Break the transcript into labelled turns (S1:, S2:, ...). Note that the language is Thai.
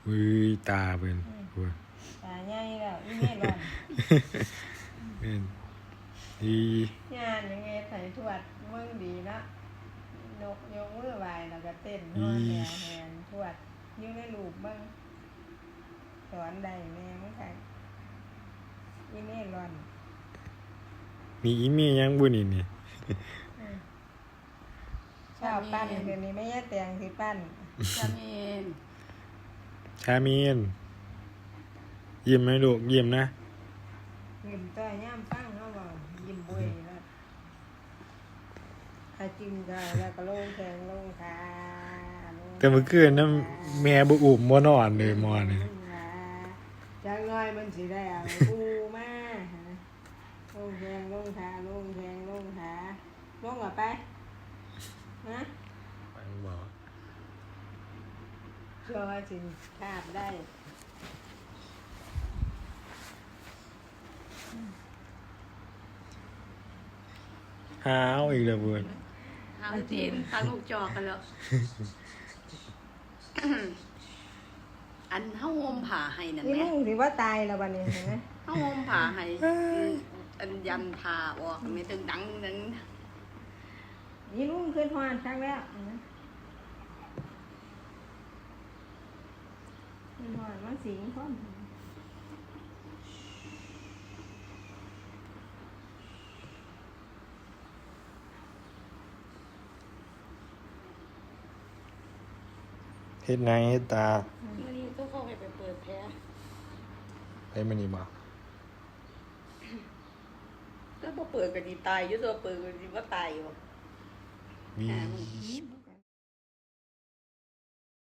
S1: อุ้ยตาเป็นหัว
S2: ตาใหญ่แล้วอีเมลอน
S1: เป็นอี
S2: งานยังไงใส่ทวดมึงดีเนาะนกยกมือไหวแล้วก็เต้นนอนแนวแหนทวดอยู่ในลูกมึงสอนได้แม่มึงค่ะอีเมลอน
S1: มีอีเมียยังบุนี่นี่
S2: ชอบปั้นเดี๋ยวนี้ไม่ใช่แต่งที่ปั้น
S3: จามีน
S1: ชามีนยิ้มไหมลูกยิ้มนะ
S2: ยิ้มต่อยย่ำปั้งเขาบอกยิ้มบุยแล้วถ้าจิ้มก็แล้วก็ลงแขงลงขาลง
S1: แต่เมื่อคืนนั้นแม่บุอุ้มบ่นอนเลยมอนี่
S2: จังน้อยมันสิได้เอาปูมาลงแขงลงขาลงแขงลงขาลงอ่ะไปนะ
S1: ไปบอก
S2: เชื่อว่าสิคาบได้
S1: หาวอีกแล้วเพื่อน
S3: หางจีนหางลูกจอกกันแล้ว อันเฮาห่มผ้าให้นั่น
S2: นี่
S3: แหละ
S2: ลุงถือว่าตายแล้ววันนี้เห็นไหม
S3: เฮาห่มผ้าให้อันยันผ้าออกไม่ถึงดังนั้น
S2: นี่ลุงขึ้นหอนครั้งแล้วเห็นไหมขึ้นหอนมันสิงพร้อม
S1: เฮ็ดไงเฮ็ดตา
S3: มื้อนี้ต้องเข้าไปเปิดแผล
S1: ไปมันนี่บ่
S3: แล้วบ่เปิดก็สิตายอยู่ตัวเปิดก็สิบ่ตายอยู่
S1: วี
S3: อ่า